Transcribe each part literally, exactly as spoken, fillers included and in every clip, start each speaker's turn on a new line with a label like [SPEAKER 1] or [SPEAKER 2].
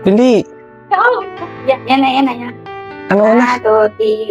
[SPEAKER 1] Dali.
[SPEAKER 2] Oh, yan, yan na, yan na, yan.
[SPEAKER 1] Ano na?
[SPEAKER 2] Ah, two, three.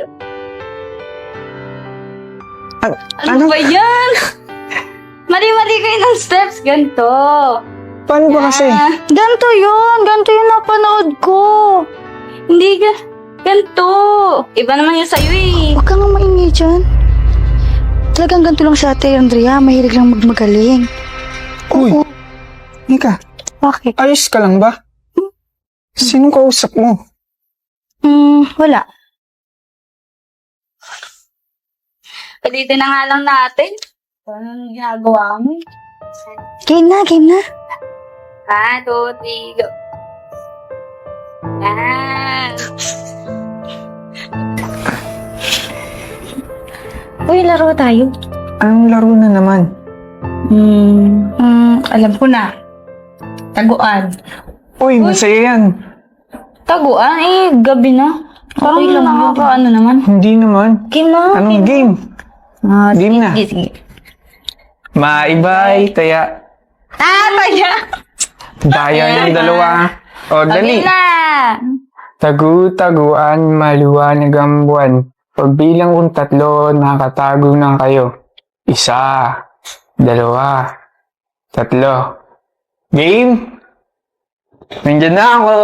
[SPEAKER 1] Ano?
[SPEAKER 2] Ano ba yan? Mali-mali kayo ng steps. Ganto.
[SPEAKER 1] Paano ba kasi?
[SPEAKER 2] Ah, ganto yun. Ganto yung napanood ko. Hindi ka. Ganto. Iba naman yung sa'yo eh.
[SPEAKER 3] Huwag kang maingay dyan. Talagang ganito lang si Ate Andrea. Mahilig lang magmagaling.
[SPEAKER 1] Uy,
[SPEAKER 3] Oo.
[SPEAKER 1] Nika,
[SPEAKER 3] Bakit?
[SPEAKER 1] ayos ka lang ba? Sinong kausap mo?
[SPEAKER 3] Hmm, wala.
[SPEAKER 2] Palitin na nga lang natin. Ano ginagawa mo?
[SPEAKER 3] Game na, game na.
[SPEAKER 2] Ah, two, three, go. Ah.
[SPEAKER 3] Uy, laro tayo.
[SPEAKER 1] Anong laro na naman?
[SPEAKER 3] Hmm, hmm, alam ko na. Taguan.
[SPEAKER 1] Uy, masaya yan.
[SPEAKER 2] Taguan? Eh, gabi na. Parang
[SPEAKER 3] Okay lang yun.
[SPEAKER 2] nakaka ano naman.
[SPEAKER 1] Hindi naman.
[SPEAKER 3] Game na.
[SPEAKER 1] Anong game?
[SPEAKER 3] Ah,
[SPEAKER 1] Game na.
[SPEAKER 3] sige, sige.
[SPEAKER 1] Maibay, taya.
[SPEAKER 2] Ah, taya!
[SPEAKER 1] Bayan yung dalawa. O, dali.
[SPEAKER 2] Gabi na!
[SPEAKER 1] Tagu-taguan, maliwanag ang buwan. Pagbilang kong tatlo, nakatago na kayo. Isa, dalawa, tatlo. Game? Nandyan na ako.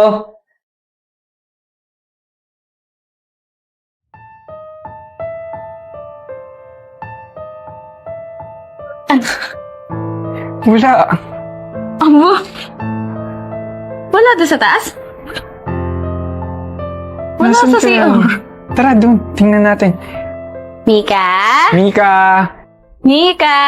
[SPEAKER 1] Wala.
[SPEAKER 2] Amo? Wala doon sa taas? Wala
[SPEAKER 1] Nasaan
[SPEAKER 2] sa
[SPEAKER 1] ka?
[SPEAKER 2] C O.
[SPEAKER 1] Tara, doon. Tingnan natin.
[SPEAKER 2] Mika?
[SPEAKER 1] Mika!
[SPEAKER 2] Mika!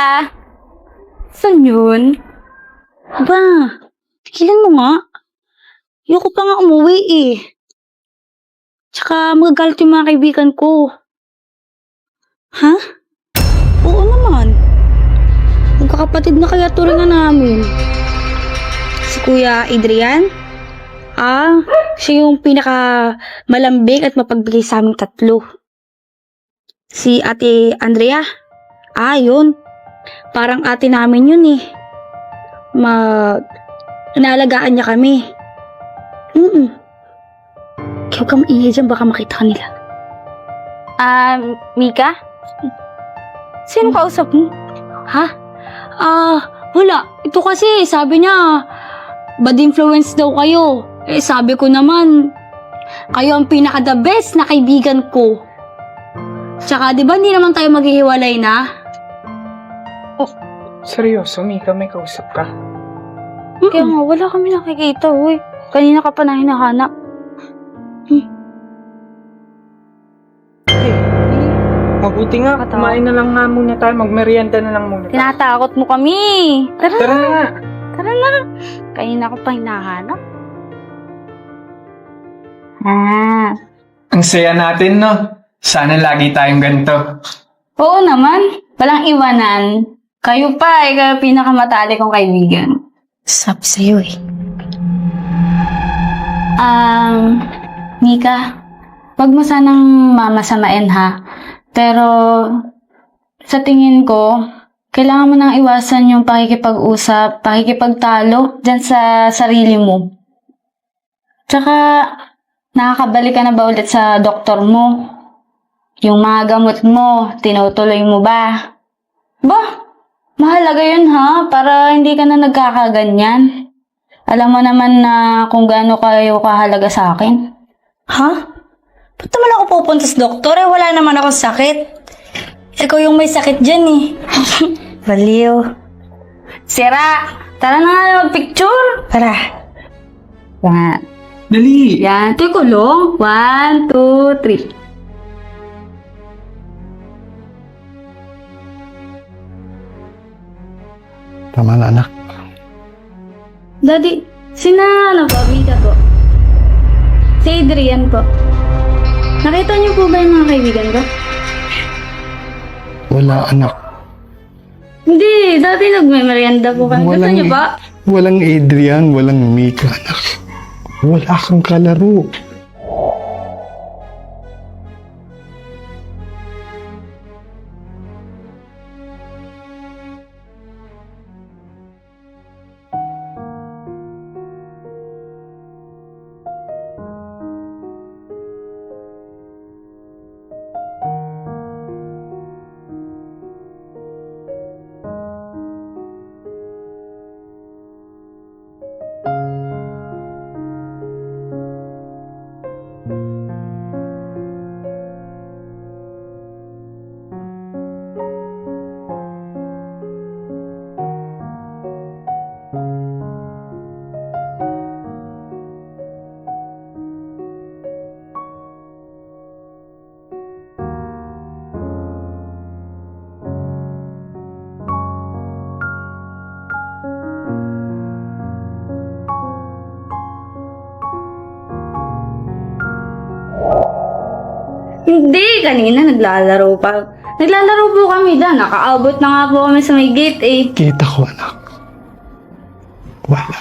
[SPEAKER 2] Saan yun?
[SPEAKER 3] Ba, tigilan mo nga. Ayoko pa nga umuwi eh. Tsaka magagalit yung mga kaibigan ko. Ha? Oo naman. Magkakapatid na kaya turingan namin. Si Kuya Adrian? Ah, siya yung pinaka malambing at mapagbigay sa aming tatlo. Si Ate Andrea? Ah, yun. Parang ate namin yun eh. Mag... Inaalagaan niya kami. Mm-mm. Kaya huwag kang maingay dyan, baka makita ka nila.
[SPEAKER 2] Ah, Mika? Sino kausap mo?
[SPEAKER 3] Ha? Ah, wala. Ito kasi, sabi niya, bad influence daw kayo. Eh, sabi ko naman, kayo ang pinaka-the best na kaibigan ko. Tsaka, di ba, hindi naman tayo maghihiwalay na?
[SPEAKER 1] Seryoso, Mika, may kausap ka?
[SPEAKER 2] Kaya nga, wala kami nakikita, uy. Kanina ka pa na hinahanap.
[SPEAKER 1] Mabuti nga,
[SPEAKER 2] Katawa.
[SPEAKER 1] kumain na lang nga muna tayo, magmerienda na lang muna tayo.
[SPEAKER 2] Tinatakot mo kami. Tara,
[SPEAKER 1] Tara na nga.
[SPEAKER 2] tara na. Kanina ko pa hinahanap. Ah.
[SPEAKER 1] Ang saya natin, no? Sana lagi tayong ganito.
[SPEAKER 2] Oo naman. Walang iwanan. Kayo pa, ikaw yung pinakamatali kong kaibigan.
[SPEAKER 3] Sabi sa'yo eh.
[SPEAKER 2] Um, Mika, wag mo sanang mamasamain ha. Pero, sa tingin ko, kailangan mo nang iwasan yung pakikipag-usap, pakikipagtalo dyan sa sarili mo. Tsaka, nakakabalik ka na ba ulit sa doktor mo? Yung mga gamot mo, tinutuloy mo ba? Ba, mahalaga yun ha, para hindi ka na nagkakaganyan. Alam mo naman na kung gaano kayo kahalaga sa akin.
[SPEAKER 3] Ha? Ba't naman ako pupunta sa doktor? Eh, wala naman akong sakit. Ikaw yung may sakit dyan eh. Baliw.
[SPEAKER 2] Sira! Tara na nga mag-picture!
[SPEAKER 3] Tara.
[SPEAKER 2] Yan.
[SPEAKER 1] Dali!
[SPEAKER 2] Yan. Ito yung kulong. One, two, three.
[SPEAKER 4] Tama na, anak.
[SPEAKER 2] Daddy, sina ano po? Mika po. Si Adrian po. Nakita niyo po ba yung mga kaibigan ko?
[SPEAKER 4] Wala, anak.
[SPEAKER 2] Hindi, dati nagme-merienda po kami. Gusto
[SPEAKER 4] Walang-
[SPEAKER 2] niyo ba?
[SPEAKER 4] Walang Adrian, walang Mika, anak. Wala kang kalaro.
[SPEAKER 2] Hindi, kanina naglalaro pa. Naglalaro po kami dyan. Nakaabot na nga po kami sa may gate eh.
[SPEAKER 4] Kita ko, anak. Wala.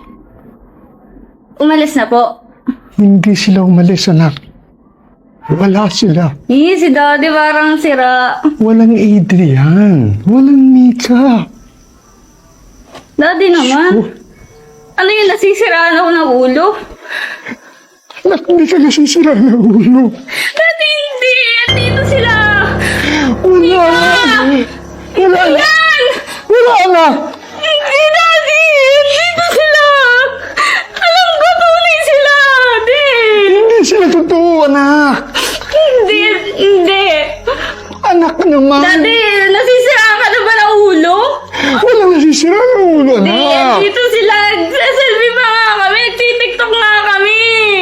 [SPEAKER 2] Umalis na po.
[SPEAKER 4] Hindi sila umalis, anak. Wala sila.
[SPEAKER 2] Eh, si daddy parang sira.
[SPEAKER 4] Walang Adrian. Walang Mika.
[SPEAKER 2] Daddy naman.
[SPEAKER 4] Oh,
[SPEAKER 2] Ano yun, nasisiraan ako ng ulo?
[SPEAKER 4] anak, hindi ka nasisira ng ulo.
[SPEAKER 2] Daddy, hindi! Andito sila!
[SPEAKER 4] Wala na. Wala na.
[SPEAKER 2] Yan!
[SPEAKER 4] Wala na.
[SPEAKER 2] Hindi, daddy! Andito sila! Alam ko, tunay sila! Di!
[SPEAKER 4] Hindi sila totoo, anak.
[SPEAKER 2] Hindi, hindi!
[SPEAKER 4] Anak naman.
[SPEAKER 2] Daddy, nasisiraan ka na ba ng ulo?
[SPEAKER 4] Wala nasisira ng ulo,
[SPEAKER 2] Di,
[SPEAKER 4] anak.
[SPEAKER 2] andito sila! Nagsaselfie pa nga kami! Nagtitiktok nga kami!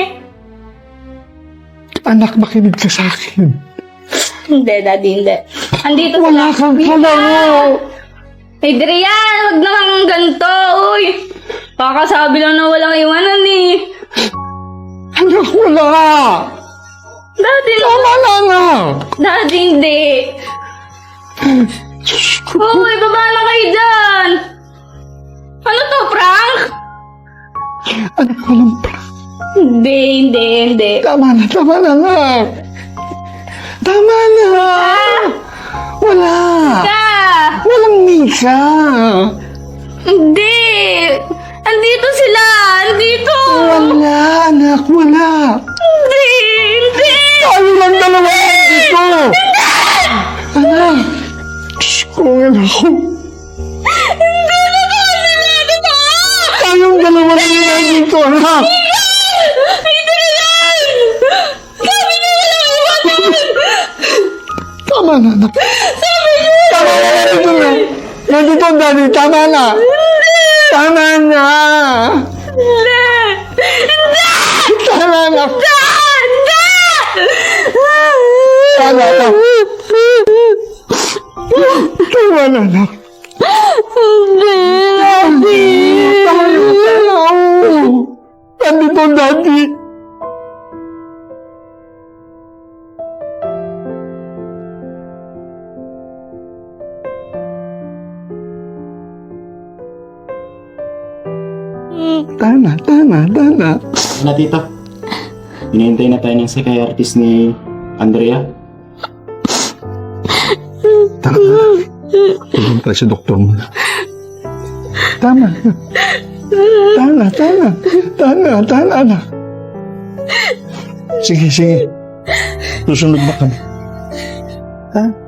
[SPEAKER 4] Anak, makinig ka sa akin.
[SPEAKER 2] Hindi, daddy, hindi. Andito
[SPEAKER 4] Wala
[SPEAKER 2] sila.
[SPEAKER 4] kang kalaro.
[SPEAKER 2] Adrian, wag naman ganito, uy. Kakasabi lang na walang iwanan eh.
[SPEAKER 4] Anak, wala.
[SPEAKER 2] Daddy,
[SPEAKER 4] Tama na, anak.
[SPEAKER 2] daddy, hindi.
[SPEAKER 4] Diyos ko.
[SPEAKER 2] Uy, baba na kayo dyan. Ano to, prank?
[SPEAKER 4] Anak, walang pra.
[SPEAKER 2] Hindi, hindi, hindi.
[SPEAKER 4] Tama na, tama na, anak. Tama na. Wala.
[SPEAKER 2] Ka!
[SPEAKER 4] Walang Mika.
[SPEAKER 2] Hindi! Andito sila! Andito!
[SPEAKER 4] Wala, anak, wala.
[SPEAKER 2] Hindi! Hindi!
[SPEAKER 4] Tayo lang dalawa dito. Anak. Diyos ko, anak ko.
[SPEAKER 2] Hindi! Totoo sila! Totoo!
[SPEAKER 4] Tayong dalawa lang yan dito, anak.
[SPEAKER 2] Adrian! Sabi niyo walang iwanan!
[SPEAKER 4] Tama na, anak.
[SPEAKER 2] Sabi niyo!
[SPEAKER 4] Tama na, nandito na. Nandito, daddy, tama na. Tama na.
[SPEAKER 2] Hindi! Hindi!
[SPEAKER 4] Tama na.
[SPEAKER 2] Hindi!
[SPEAKER 4] Tama na. Tama na, anak.
[SPEAKER 2] Hindi! Daddy!
[SPEAKER 4] Tayo tayo. Nandito, daddy. Tama, tama, tama.
[SPEAKER 5] Na tito, hinihintay na tayo ng psychiatrist ni Andrea.
[SPEAKER 4] Tama. Tignan tayo sa doktor mo. Tama. Tama, tama. Tama, tama na. Sige, sige. Susunod ba kami? Ha?